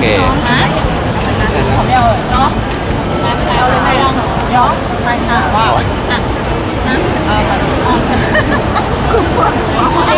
นะผมเดียวเนาะเอาเลยไหมย้อนไปค่ะว่าอ่ะนะคุณพ่อโอเค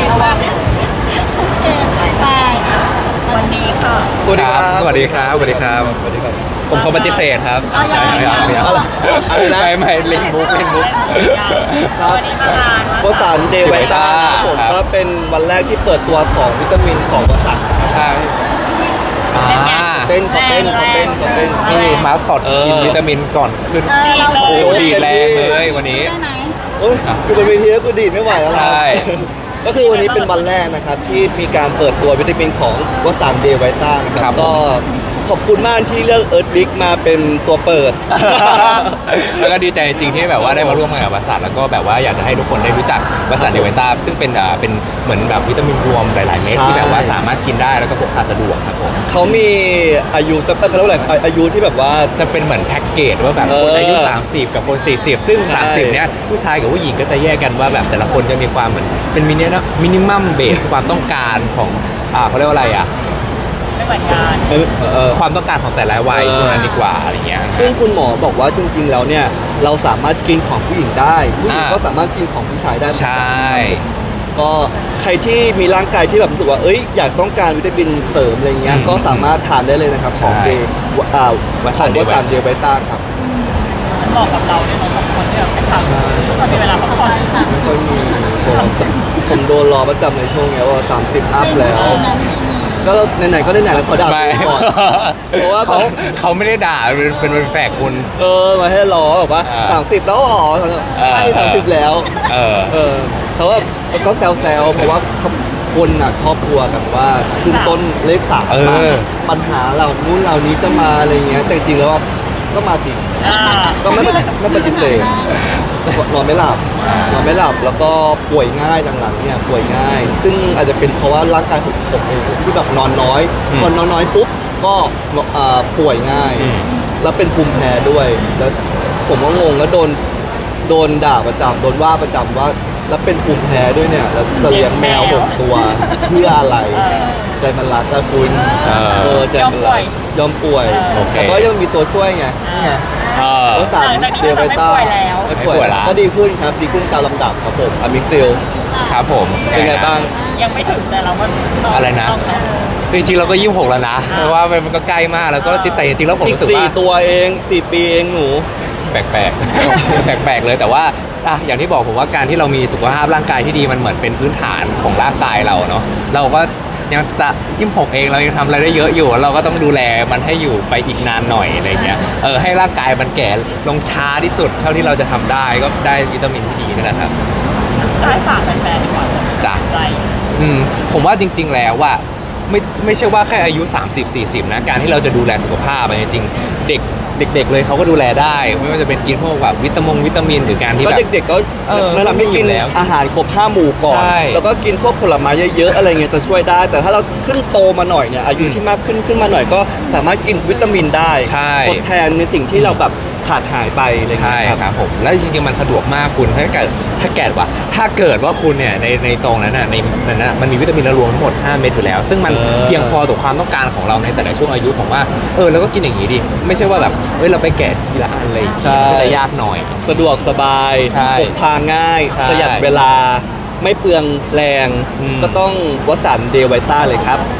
ไปวันนี้ค่ะสวัสดีครับสวัสดีครับ ผมขอปฏิเสธครับใช่ไม่เอาอะไรนะไม่เล่นบุ๊กครับวันนี้มางานวสันต์เดย์ไวต้าผมก็เป็นวันแรกที่เปิดตัวของวิตามินของวสันต์ใช่เต้นนี่มาสคอตกินวิตามินก่อนขึ้นโอ้ดีแรงเลยวันนี้ได้ไหมโอ้ยอยู่บนเวทีก็คือดีดไม่ไหวแล้วนะก็คือวันนี้เป็นวันแรกนะครับที่มีการเปิดตัววิตามินของวสันต์เดย์ไวต้านะครับก็ขอบคุณมากที่เลือกเอิร์ธบิ๊กมาเป็นตัวเปิดแล้วก็ดีใจจริงที่แบบว่าได้มาร่วมงานกับวสันต์แล้วก็แบบว่าอยากจะให้ทุกคนได้รู้จักวสันต์เดย์ไวต้าซึ่งเป็นเหมือนแบบวิตามินรวมหลายๆเม็ดที่แบบว่าสามารถกินได้แล้วก็พกพาสะดวกครับผมเขามีอายุจะเขาเรียกว่าอะไรอายุที่แบบว่าจะเป็นเหมือนแพ็กเกจว่าแบบคนอายุ30กับคน40ซึ่ง30เนี้ยผู้ชายกับผู้หญิงก็จะแยกกันว่าแบบแต่ละคนจะมีความเหมือนเป็นมินิมัมเบสความต้องการของเขาเรียกว่าอะไรไม่เหมือนกันความต้องการของแต่ละวัยช่วงนั้นดีกว่าอะไรเงี้ยซึ่งคุณหมอบอกว่าจริงๆแล้วเนี่ยเราสามารถกินของผู้หญิงได้ผู้หญิงก็สามารถกินของผู้ชายได้ใช่ก็ใครที่มีร่างกายที่แบบรู้สึกว่าอยากต้องการวิตามินเสริมอะไรเงี้ยก็สามารถทานได้เลยนะครับของวสันต์เดย์ไวต้าครับมันเหมาะกับเราเนี่ยเราสองคนที่แบบไปทำตอนมีเวลาพักผ่อนไม่ค่อยมีผมโดนรอประจำในช่วงนี้ว่า30 อัพแล้วก็ไหนๆก็ได้ไหนแล้วเขาด่าก่อนเพราะว่าเขาไม่ได้ด่าเป็นแฝกคุณมาให้รอแบบว่า30แล้วอ๋อใช่30แล้วเขาว่าก็แซวเพราะว่าคนอ่ะชอบกลัวกันว่าขึ้นต้นเลข3มาปัญหาเรานู้นเรานี้จะมาอะไรเงี้ยแต่จริงแล้วก็มาจริงก็ไม่ปฏิเสธนอนไม่หลับแล้วก็ป่วยง่ายหลังๆเนี่ยป่วยง่าย ซึ่งอาจจะเป็นเพราะว่าร่างกายผมเองที่แบบนอนน้อยพอนอนน้อยปุ๊บก็ป่วยง่ายแล้วเป็นภูมิแพ้ด้วยแล้วผมก็งงแล้วโดนด่าประจำโดนว่าประจำว่าแล้วเป็นภูมิแพ้ด้วยเนี่ยแล้วจะเลี้ยงแมว6 ตัวเพื่ออะไรใจมันรักก็คุณใจมันรักยอมป่วยแต่ก็ยังมีตัวช่วยไงวสันต์เดย์ไวต้าไม่ป่วยแล้วก็ดีขึ้นครับดีขึ้นตามลำดับครับผมอะมิกซิลครับผมเป็นไงบ้างยังไม่ถึงแต่เราก็อะไรนะจริงๆเราก็26แล้วนะเพราะว่ามันก็ใกล้มากแล้วก็แต่จริงๆแล้วผมรู้สึกว่า 4 ตัวเอง4 ปีเองหนูแปลกเลยแต่ว่าอย่างที่บอกผมว่าการที่เรามีสุขภาพร่างกายที่ดีมันเหมือนเป็นพื้นฐานของร่างกายเราเนาะเราก็ยังจะ26เองเรายังทำอะไรได้เยอะอยู่เราก็ต้องดูแลมันให้อยู่ไปอีกนานหน่อยอะไรเงี้ยให้ร่างกายมันแก่ลงช้าที่สุดเท่าที่เราจะทำได้ก็ได้วิตามินที่ดีนะครับได้ฝากแฟนๆดีกว่าจ้ะผมว่าจริงๆแล้วว่าไม่ใช่ว่าแค่อายุ30-40นะการที่เราจะดูแลสุขภาพจริงๆเด็กเลยเขาก็ดูแลได้ไม่ว่าจะเป็นกินพวกแบบวิตามินหรือการที่แบบเด็กๆก็แนะนำให้กินอาหารครบ5 หมู่ก่อนแล้วก็กินพวกผลไม้เยอะๆอะไรเงี้ยจะช่วยได้แต่ถ้าเราขึ้นโตมาหน่อยเนี่ยอายุที่มากขึ้นมาหน่อยก็สามารถกินวิตามินได้ทดแทนในสิ่งที่เราแบบขาดหายไปอะไรเงี้ยครับผมแล้วจริงๆมันสะดวกมากคุณถ้าเกิดว่าคุณเนี่ยในซองนั้นน่ะในนั้นน่ะมันมีวิตามินรวมทั้งหมด5 เม็ดอยู่แล้วซึ่งมันเพียงพอต่อความต้องการของเราในแต่ละช่วงอายุผมว่าเราก็กินอย่างนี้ดิไม่ใช่ว่าแบบเราไปแกะทีละอันเลยก็จะยากหน่อยสะดวกสบายพกพาง่ายประหยัดเวลาไม่เปลืองแรงก็ต้องวสันต์เดย์ไวต้าเลยครับ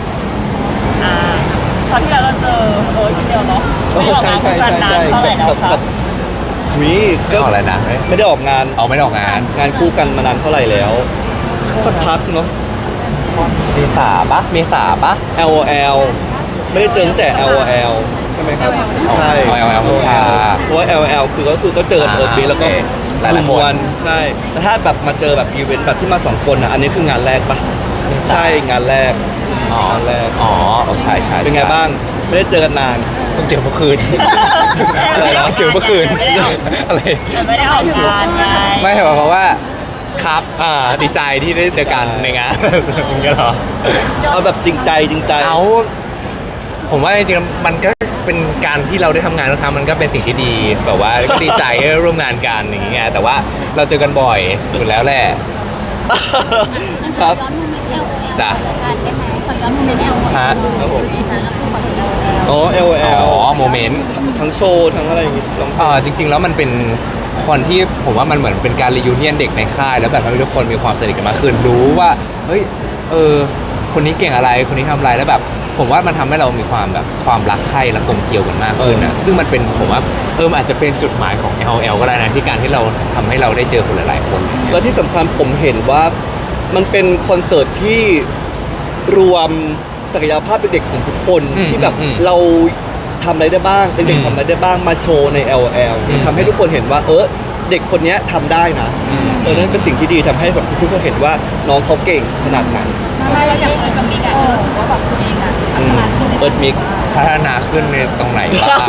ตอนที่เราเจอคนเดียวเนาะใช่เท่าไหร่แล้วครับก็อะไรนะไม่ได้ออกงานงานคู่กันมานานเท่าไหร่แล้วสักพักเนาะเมษาปะ LOL ไม่ได้เจอตั้งแต่ LOL ใช่ไหมครับใช่ LOL เพราะว่า LOL คือก็เจอเอิร์ธบิ๊กแล้วก็หลายคนใช่แต่ถ้าแบบมาเจอแบบอีเวนต์แบบที่มา2 คนอันนี้คืองานแรกปะใช่งานแรกใช่เป็นไงบ้างไม่ได้เจอกันนานเพิ่งเจอเมื่อคืนอะไรนะเจอเมื่อคืนอะไรไม่ได้ออกงานไงไม่เพราะว่าครับดีใจที่ได้เจอกันในงานมึงก็เหรอเอาแบบจริงใจผมว่าจริงๆมันก็เป็นการที่เราได้ทำงานทุกครั้งมันก็เป็นสิ่งที่ดีแบบว่าก็ดีใจได้ร่วมงานกันอย่างเงี้ยแต่ว่าเราเจอกันบ่อยอยู่แล้วแหละครับจ้ะขออย้อนโมเมนต์แอลฮะครับผมนะคือขอย้อนอ๋อ LOL อ๋อโมเมนต์ทั้งโชว์ทั้งอะไรอย่างงี้ลองจริง ๆ แล้วมันเป็นคนที่ผมว่ามันเหมือนเป็นการรียูเนียนเด็กในค่ายแล้วแบบทำให้ทุกคนมีความสนิทกันมากขึ้นรู้ว่าเฮ้ยคนนี้เก่งอะไรคนนี้ทำอะไรแล้วแบบ ผมว่ามันทำให้เรามีความแบบความรักใคร่และกลมเกลียวกันมากขึ้นนะซึ่งมันเป็นผมว่ามันอาจจะเป็นจุดหมายของ LL ก็ได้นะที่การที่เราทำให้เราได้เจอคนหลายๆคนแล้วที่สำคัญผมเห็นว่ามันเป็นคอนเสิร์ตที่รวมศักยภาพเด็กๆของทุกคน ที่แบบเราทำอะไรได้บ้างเด็กๆทำอะไรได้บ้างมาโชว์ใน LOL ทำให้ทุกคนเห็นว่าเด็กคนนี้ทำได้นะนั่นเป็นสิ่งที่ดีทำให้แบบทุกคนเห็นว่าน้องเขาเก่งขนาดไหนไม่เราอยากเปิดกับมิกอะรู้สึกว่าแบบตัวเองอะพัฒนาขึ้นเอิร์ธมิกพัฒนาขึ้นในตรงไหนบ้าง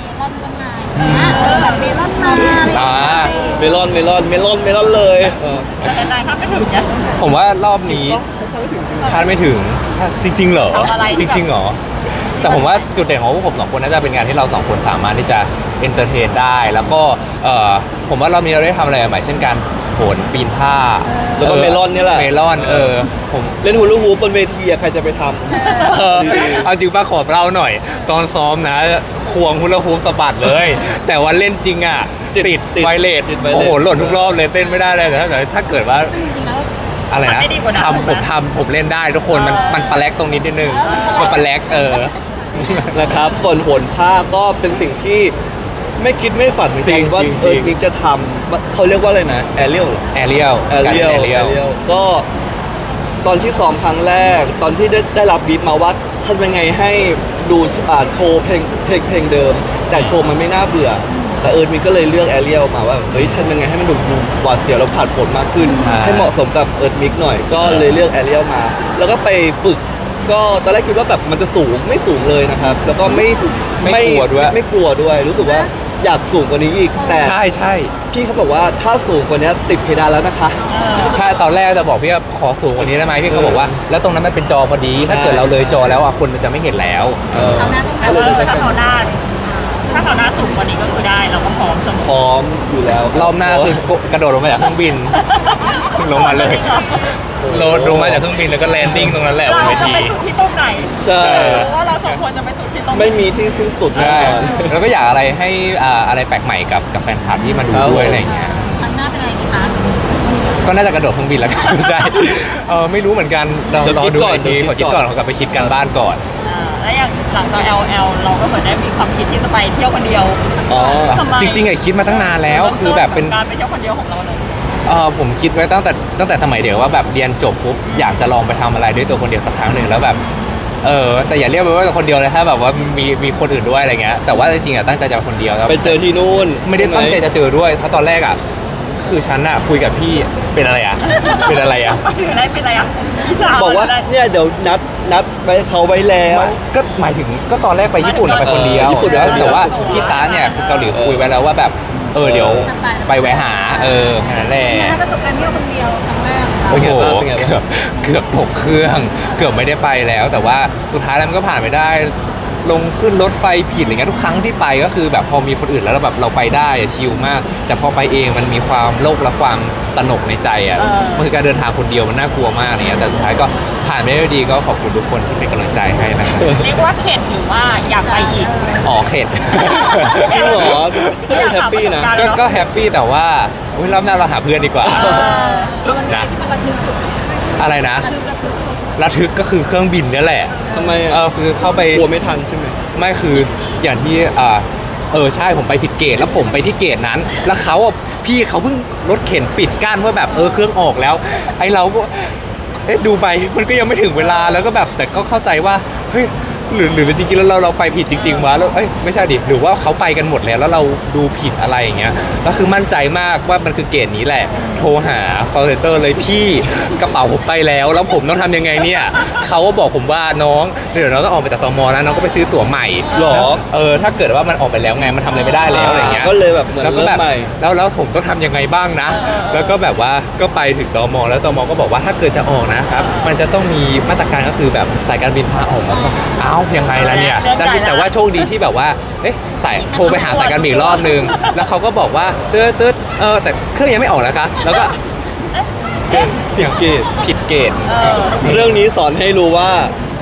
แบบเมลอนมาเมลอนเลยแต่นายภาพไม่ถึงเนี่ยผมว่ารอบนี้คาดไม่ถึงจริงๆเหรอทำอะไรจริงๆเหรอแต่ผมว่าจุดเด่นของพวกผมสองคนน่าจะเป็นงานที่เราสองคนสามารถที่จะเอนเตอร์เทนได้ แล้วก็ผมว่ารอบนี้เราได้ทำอะไรใหม่เช่นการโหนปีนผ้าแล้วก็เมลอนนี่แหละเมลอนผมเล่นฮูลูฮูปบนเวทีใครจะไปทำเอาจริงป้าขอเล่าหน่อย ตอนซ้อมนะควงฮุลาฮูปสะบัดเลย แต่วันเล่นจริงอ่ะติดไวเลสติดไวเลสโอ้โหหล่นทุกรอบเลยเต้นไม่ได้เลยแต่ถ้าเกิดว่าจริงๆแล้วอะไรนะผมเล่นได้ทุกคนมันปลาแลกตรงนี้นิดนึงมันปลาแลกนะครับส่วนโหนผ้าก็เป็นสิ่งที่ไม่คิดไม่ฝันจริงๆว่าเอิร์ธมิกจะทำเขาเรียกว่าอะไรนะแอเรียลแอเรียลก็ตอนที่ซ้อมครั้งแรกตอนที่ได้รับบีทมาว่าทำยังไงให้ดูโชว์เพลงเดิม แต่โชว์มันไม่น่าเบื่อ แต่เอิร์ธมิกก็เลยเลือกแอเรียลมาว่าเฮ้ยทำยังไงให้มันดูหวาดเสียวแล้วผ่านผลมากขึ้น ให้เหมาะสมกับเอิร์ธมิกหน่อยก็เลยเลือกแอเรียลมา แล้วก็ไปฝึกก็ตอนแรกคิดว่าแบบมันจะสูงไม่สูงเลยนะครับ แล้วก็ไม่กลัวด้วยรู้สึกว่าอยากสูงกว่านี้อีกแต่ใช่พี่เขาบอกว่าถ้าสูงกว่านี้ติดเพดานแล้วนะคะใช่ตอนแรกจะบอกพี่ว่าขอสูงกว่านี้ได้ไหมพี่เขาบอกว่าแล้วตรงนั้นมันเป็นจอพอดีถ้าเกิดเราเลยจอแล้วคนมันจะไม่เห็นแล้วแต่ว่าถ้าเขาหน้าสูงกว่านี้ก็คือได้เราก็พร้อมเสมอพร้อมอยู่แล้วรอบหน้าคือกระโดดลงมาจากเครื่องบินลงมาเลยลงมาจากเครื่องบินแล้วก็แลนดิ้งตรงนั้นแหละบนเวเราจะทีไปสุดที่ตรงไหนใช่ว่าเราสองคนจะไปสุดที่ตรงไหนไม่มีที่สิ้นสุดแน่ใช่นอนแล้วก็อยากอะไรให้อะไรแปลกใหม่กับแฟนคลับที่มาดูด้วยอะไรอย่างเงี้ยครั้งหน้าเป็นอะไรดีคะก็น่าจะกระโดดเครื่องบินแล้วกัน ใช่ไม่รู้เหมือนกันเรารอดูอีกทีขอคิดก่อนขอกลับไปคิดกันบ้านก่อนแล้วอย่างหลังจาก LL เราก็เหมือนได้มีความคิดที่จะไปเที่ยวคนเดียวอ๋อทำไมจริงๆคิดมาตั้งนานแล้วคือแบบเป็นการไปเที่ยวคนเดียวของเราเลยผมคิดไว้ตั้งแต่สมัยเด็กว่าแบบเรียนจบปุ๊บอยากจะลองไปทำอะไรด้วยตัวคนเดียวสักครั้งหนึ่งแล้วแบบแต่อย่าเรียกไปว่าคนเดียวเลยถ้าแบบว่ามีคนอื่นด้วยอะไรเงี้ยแต่ว่าจริงๆตั้งใจจะไปคนเดียวครับไปเจอที่นู่นไม่ได้ตั้งใจจะเจอด้วยเพราะตอนแรกคือฉันคุยกับพี่เป็นอะไรเป็นอะไรอยู่ได้เป็นอะไรอ่ะบอกว่าเนี่ยเดี๋ยวนัดไปเขาไว้แล้วก็หมายถึงก็ตอนแรกไปญี่ปุ่นไปคนเดียวญี่ปุ่นแล้วไปคนเดียวแต่ว่าพี่ตาเนี่ยคือเกาหลีคุยไว้แล้วว่าแบบเดี๋ยวไปแวะหาแค่นั้นแหละประสบการณ์เที่ยวคนเดียวครั้งแรกโอ้โหเป็นไงบ้างเกือบตกเครื่องเกือบไม่ได้ไปแล้ว แต่ว่าสุดท้ายแล้วมันก็ผ่านไปได้ ลงขึ้นรถไฟผิดอะไรเงี้ยทุกครั้งที่ไปก็คือแบบพอมีคนอื่นแล้วเราแบบเราไปได้ชิลมาก แต่พอไปเองมันมีความโลภและความตระหนกในใจมันคือการเดินทางคนเดียวมันน่ากลัวมากอะไรเงี้ยแต่สุดท้ายก็ผ่านไปได้ด้วยดีก็ขอบคุณทุกคนที่เป็นกำลังใจให้นะครับเรียกว่าเข็ดหรือว่าอยากไปอีกเข็ดจริงเหรอแฮปปี้นะก็แฮปปี้แต่ว่าอุ๊ยรอบหน้าเราหาเพื่อนดีกว่านะที่มันระทึกสุดอะไรนะระทึกสุดระทึกก็คือเครื่องบินนี่แหละทำไมคือเข้าไปกลัวไม่ทันใช่ไหมไม่คืออย่างที่ใช่ผมไปผิดเกตแล้วผมไปที่เกตนั้น แล้วพี่เขาเพิ่งรถเข็นปิดกั้นว่าแบบเครื่องออกแล้ว ไอเราก็ดูไปมันก็ยังไม่ถึงเวลาแล้วก็แบบแต่ก็เข้าใจว่าเฮ้ยหรือจริงๆแล้วเราไปผิดจริงๆวะแล้วไม่ใช่ดิหรือว่าเขาไปกันหมดแล้วเราดูผิดอะไรอย่างเงี้ยแล้วคือมั่นใจมากว่ามันคือเกตนี้แหละโทรหา call center เลยพี่กระเป๋าผมไปแล้วผมต้องทำยังไงเนี่ยเขาก็บอกผมว่าน้องเดี๋ยวเราต้องออกไปจากตมแล้วน้องก็ไปซื้อตั๋วใหม่หรอถ้าเกิดว่ามันออกไปแล้วไงมันทำอะไรไม่ได้แล้วอะไรเงี้ยก็เลยแบบเหมือนแล้วก็เริ่มใหม่แล้วผมต้องทำยังไงบ้างนะ แล้วก็แบบว่าก็ไปถึงตมแล้วตมก็บอกว่าถ้าเกิดจะออกนะครับมันจะต้องมีมาตรการก็คือแบบสายการบินพาออกมาก็ยังไงล่ะเนี่ยแต่ว่าโชคดีที่แบบว่าโทรไปหาสายการบินรอบนึงแล้วเขาก็บอกว่าตืดแต่เครื่องยังไม่ออกนะคะแล้วก็เกตผิดเกตเรื่องนี้สอนให้รู้ว่า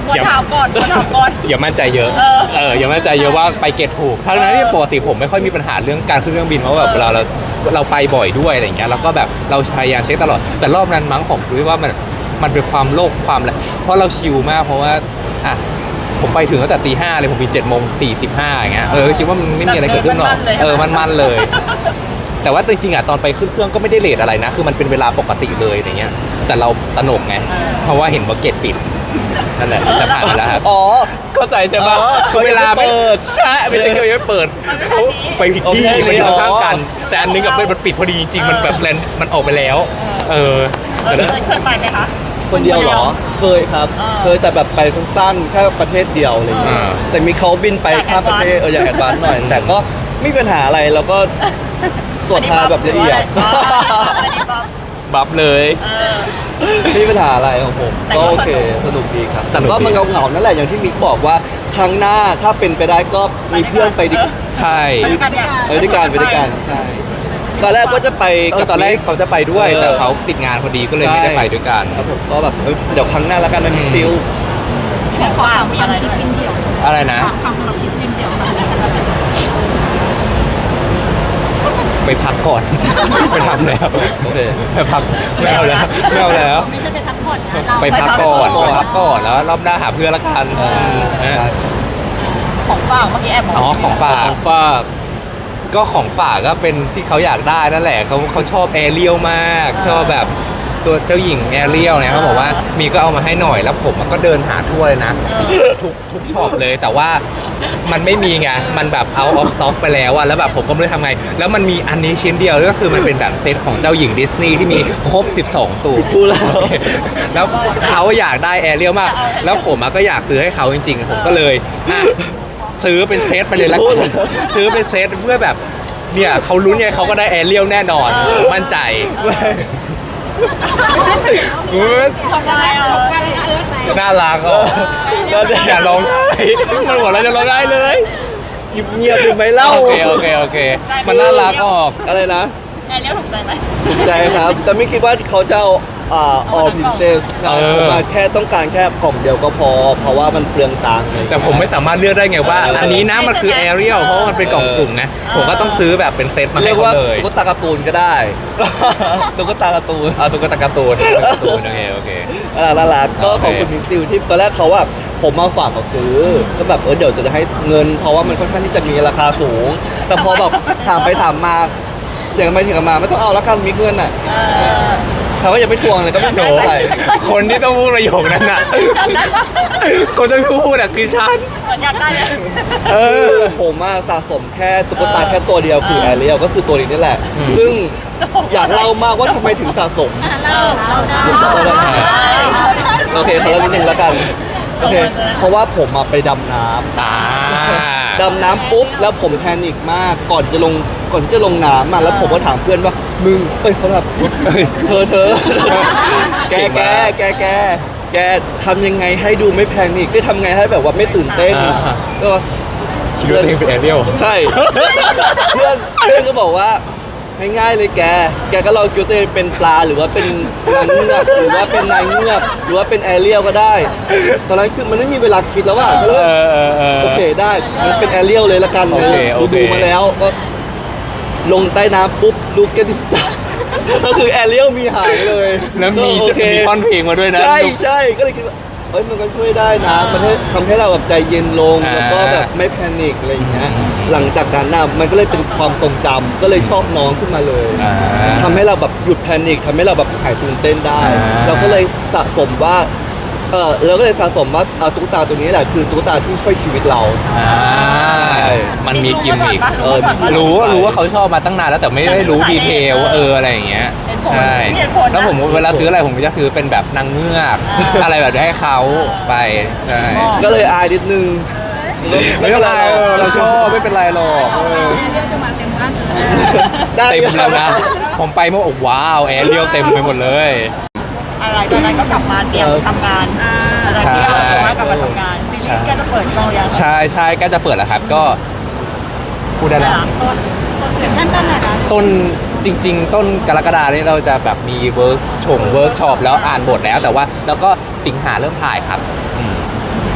ควรถามก่อนควรถามก่อนอย่ามั่นใจเยอะ อย่ามั่นใจเยอะว่าไปเก็ตถูกทั้งนั้นที่ปกติผมไม่ค่อยมีปัญหาเรื่องการขึ้นเครื่องบินเพราะแบบเวลาเราไปบ่อยด้วยอะไรอย่างเงี้ยแล้วก็แบบเราพยายามเช็คตลอดแต่รอบนั้นมั้งผมรู้ว่ามันเป็นความโลภความอะไรเพราะเราชิลมากเพราะว่าอ่ะผมไปถึงตั้งแต่ตี 5เลยผมบิน7:45อย่างเงี้ยคิดว่ามันไม่มีอะไรเกิดขึ้นหรอกมันเลย แต่ว่าจริงๆอ่ะตอนไปขึ้นเครื่องก็ไม่ได้เลทอะไรนะคือมันเป็นเวลาปกติเลยอย่างเงี้ยแต่เราตระหนกไงเพราะว่าเห็นว่าเกตปิดนั่นแหละแต่ผ่านไปแล้วครับอ๋อเข้าใจใช่ปะอ๋อคือเวลาไม่เขาจะเปิดใช่ไม่ใช่เขายังไม่เปิดเขาไปผิดที่โอเคไปอยู่ข้างๆกันอ๋อแต่อันนึงกับมันปิดพอดีจริงๆมันแบบแลนมันออกไปแล้วแต่นั้นเคยไปไหมคะคนเดียวเหรอ เคยครับ เคยแต่แบบไปสั้นๆแค่ประเทศเดียวอะไรอย่างเงี้ยอ่าแต่มีเขาบินไปข้ามประเทศอยากแอดวานซ์หน่อย แต่ก็ไม่มีปัญหาอะไรแล้วก็ตรวจทาแบบละเอียดบัฟเลยไม่มีปัญหาอะไรของผมแต่ก็ก็โอเคสนุกสนุกดีครับ แต่สนุกก็ดีมันเหงาๆนั่นแหละอย่างที่มิกบอกว่าครั้งหน้าถ้าเป็นไปได้ก็มีเพื่อนไปดิใช่ด้วยกันใช่ตอนแรกว่าจะไปบตอนแรกเขาจะไปด้วย แต่เขาติดงานพอดีก็เลยไม่ได้ไปด้วยกันครับผมก็แบบเดี๋ยวครั้งหน้าแล้วกันมันมีซิลแล้วขอถามมีอะไรด้วยอะไรนะคำสำหรับคลิปเดียวไปพักก่อน ไปทำแล้วโอเคไปพักไม่เอาแล้วไม่ใช่ไปพักผ่อนนะเราไปพักก่อนแล้วรอบหน้าหาเพื่อนละกันของฝากเมื่อกี้แอบบอกอ๋อของฝากของฝากก็ของฝากก็เป็นที่เขาอยากได้นั่นแหละเขาชอบแอเรียลมากชอบแบบตัวเจ้าหญิงแอเรียลเนี่ยเขาบอกว่ามีก็เอามาให้หน่อยแล้วผมก็เดินหาทั่วเลยนะทุกช็อปเลยแต่ว่ามันไม่มีไงมันแบบ out of stock ไปแล้วอะแล้วแบบผมก็ไม่รู้ทำไงแล้วมันมีอันนี้ชิ้นเดียวก็คือมันเป็นแบบเซตของเจ้าหญิงดิสนีย์ที่มีครบ 12 ตัวพูดแล้วแล้วเขาอยากได้แอเรียลมาก แล้วผมก็อยากซื้อให้เขาจริงๆผมก็เลยอ่ะซื้อเป็นเซตไปเลยแล้วกันซื้อเป็นเซตเพื่อแบบเนี่ยเขาลุ้นไงเขาก็ได้แอเรียลแน่นอนมั่นใจทำไมอ่ะน่ารักอ่ะอย่าร้องไห้มันบอกเราจะร้องไห้เลยเงียบๆเป็นไหมเล่าโอเคมันน่ารักออกอะไรนะแอร์เรียลถูกใจไหมถูกใจครับ แต่ไม่คิดว่าเขาจะเอาall princess ใช่ผมว่าแค่ต้องการแค่กล่องเดียวก็พอ เพราะว่ามันเปลืองตังค์เลยแต่ผมไม่สามารถเลือกได้ไงว่า อันนี้นะมันคือแอเรียลเพราะว่ามันเป็นกล่องสุ่มไงผมก็ต้องซื้อแบบเป็นเซตมาเรีให้ยกเขาว่าเลยตุ๊กตาการ์ตูนก็ได้ ตุ๊กตาการ์ตูนเอาตุ๊กตาการ์ตูนโอเคน่ารักก็โอเคขอบคุณมิกซิลที่ตอนแรกเขาแบบผมมาฝากเขาซื้อก็แบบเดี๋ยวจะให้เงิน เพราะว่ามันค่อนข้างที่จะมีราคาสูง แต่พอแบบถามไปถามมาเถียงกันไปเถียงกันมาไม่ต้องเอาแล้วกันมิกเงินอ่ะเขาก็ยังไม่ทวงเลยก็ไม่โดนอะไรคนที่ต้องพูดประโยคนั้นน่ะ คนที่พูดอ่ะคือฉันอยากได้เลยผมอะสะสมแค่ตุ๊กตาแค่ตัวเดียวคือแอเรียลก็คือตัวนี้นี่แหละ ซึ่งอยากเล่ามากว่าทำไมถึงสะสมเราได้โอเคขอเล่านิดนึงแล้วกันโอเคเพราะว่าผมอะไปดำน้ำ ดำน้ำปุ๊บแล้วผมแพนิคมากก่อนที่จะลงน้ำอ่ะแล้วผมก็ถามเพื่อนว่ามึงเขาแบบเธอแกทำยังไงให้ดูไม่แพนิคได้ทำไงให้แบบว่าไม่ตื่นเต้นก็คิดว่าตัวเองเป็นแอเรียลใช่เพื่อนก็บอกว่าง่ายๆเลยแกก็ลองคิดว่าตัวเองเป็นปลาหรือว่าเป็นนางเงือกหรือว่าเป็นนายเงือกหรือว่าเป็นแอเรียลก็ได้ ตอนนั้นคือมันไม่มีเวลาคิดแล้วว่าโอเคได้มันเป็นแอเรียลเลยละกันดูมาแล้วก็ลงใต้น้ำปุ๊บดูแกดิสตาก็คือแอเรียลมีหายเลยแล้วมีโอเคท่อนเพลงมาด้วยนะใช่ก็เลยคิดว่ามันก็ช่วยได้นะมันทำให้เราแบบใจเย็นลงแล้วก็แบบไม่แพนิคอะไรอย่างเงี้ยหลังจากนั้นน่ะมันก็เลยเป็นความทรงจำก็เลยชอบน้องขึ้นมาเลยทำให้เราแบบหยุดแพนิคทำให้เราแบบหายตื่นเต้นได้ เราก็เลยสะสมว่าเราก็เลยสะสมว่าตุ๊กตาตัวนี้แหละคือตุ๊กตาที่ช่วยชีวิตเรามันมีกิมมิครู้รู้ว่าเขาชอบมาตั้งนานแล้วแต่ไม่ได้รู้ดีเทลว่าอะไรอย่างเงี้ยใช่แล้วผมเวลาซื้ออะไรผมก็จะซื้อเป็นแบบนางเงือกอะไรแบบนี้ให้เขาไปใช่ก็เลยอายนิดนึงไม่เป็นไรเราชอบไม่เป็นไรหรอกได้เต็มแล้วนะผมไปเมื่อว้าวแอเรียลเต็มไปหมดเลยอะไรตอนนั้นก็กลับมาเตรียมทำงานอะไรที่เราว่ากลับมาทำงานซีรีส์แกจะเปิดกองยังใช่ก็จะเปิดแล้วครับก็พูดได้แล้วถึงขั้นต้นไหนคะต้นจริง ๆ ต้นกรกฎาเนี่ยเราจะแบบมีเวิร์กช็อปแล้วอ่านบทแล้วแต่ว่าแล้วก็สิงหาเริ่มถ่ายครับ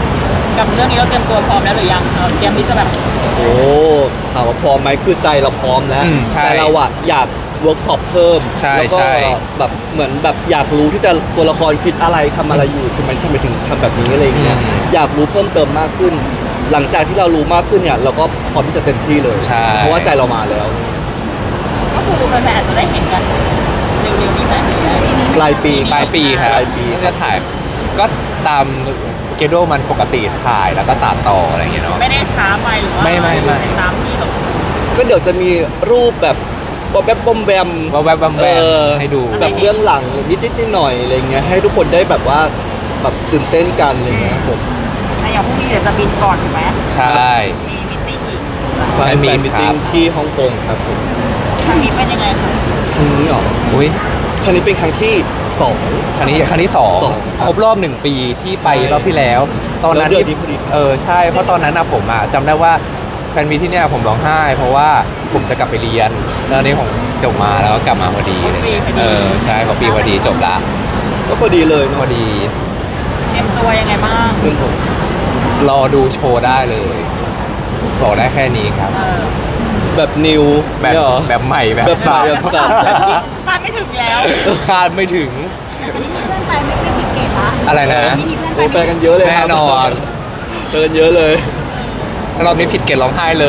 กับเรื่องนี้เราเตรียมตัวพร้อมแล้วหรือยังเราเตรียมที่จะแบบโอ้ถามว่าพร้อมไหมคือใจเราพร้อมแล้วใช่แต่เราอะอยากเวิร์กช็อปเพิ่มใช่แล้วก็ใช่แบบเหมือนแบบอยากรู้ที่จะตัวละครคิดอะไรทำอะไรอยู่ทำไมถึงทำแบบนี้อะไรอย่างเงี้ยอยากรู้เพิ่มเติมมากขึ้น หลังจากที่เรารู้มากขึ้นเนี่ยเราก็พร้อมที่จะเต็มที่เลยใช่เพราะว่าใจเรามาแล้วก็คือแฟนๆอาจจะได้เห็นกันเร็วๆนี้ไหมปลายปีปลายปีครับปลายปีก็ถ่ายก็ตามสเกดูมันปกติถ่ายแล้วก็ตัดต่ออะไรอย่างเงี้ยเนาะไม่ได้ช้าไปหรือว่าไม่ตามที่แบบก็เดี๋ยวจะมีรูปแบบบอมแบมบอมแบมว่าแวบๆแวบๆให้ดูแบบเบื้องหลังนิดๆหน่อยๆอะไรเงี้ยให้ทุกคนได้แบบว่าแบบตื่นเต้นกันอะไรเงี้ยครับผมอย่างพรุ่งนี้เดี๋ยวจะบินก่อนถูกไหมใช่มีมิตติ้งอีกแฟนมีมิทครัติ้งบที่ฮ่องกงครับผมครั้งนี้เป็นยังไงคะครั้งนี้เหรออุ้ยครั้งนี้เป็นครั้งที่สองครั้งที่สองสองครับครบรอบ1 ปีที่ไปใช่รอบที่แล้ว ตอนนั้นแล้วเดือนนี้พอดีใช่เพราะตอนนั้นอะผมอะจำได้ว่าแฟนมีที่เนี่ยผมร้องไห้ เพราะว่าผมจะกลับไปเรียนแล้วอันนี้ผมจบมาแล้วก็กลับมาพอดีอะไรเงี้ยใช่พอปีพอดีจบละก็พอดีเลยพเนาะอดีเตรียมตัวยังไงบ้างเรื่องผมรอดูโชว์ได้เลย บอกได้แค่นี้ครับแบบนิวแบบเนี่ยเหรอแบบใหม่แบบแบบใหม่สับแบบสับคาดไม่ถึงแล้วคาดไม่ถึงอันนี้มีเพื่อนไปไม่ผิดเกตละอะไรนะนี่มีเพื่อนโอ้ไปไปกันเยอะเลยครับแน่นอนไปกันเยอะเลยรอบนี้ผิดเกณฑ์ร้องไห้เลย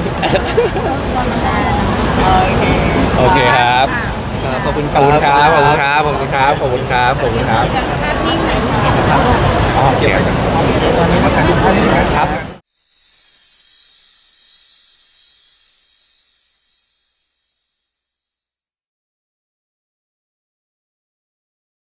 โอเคครับขอบคุณคขรัอบบ คุณครับ ขอบคุณครับ ขอบคุณครับ ขอบคุณครับ ขอบคุณครับจากภาพนิ่งไหนอ๋อโอเคครับ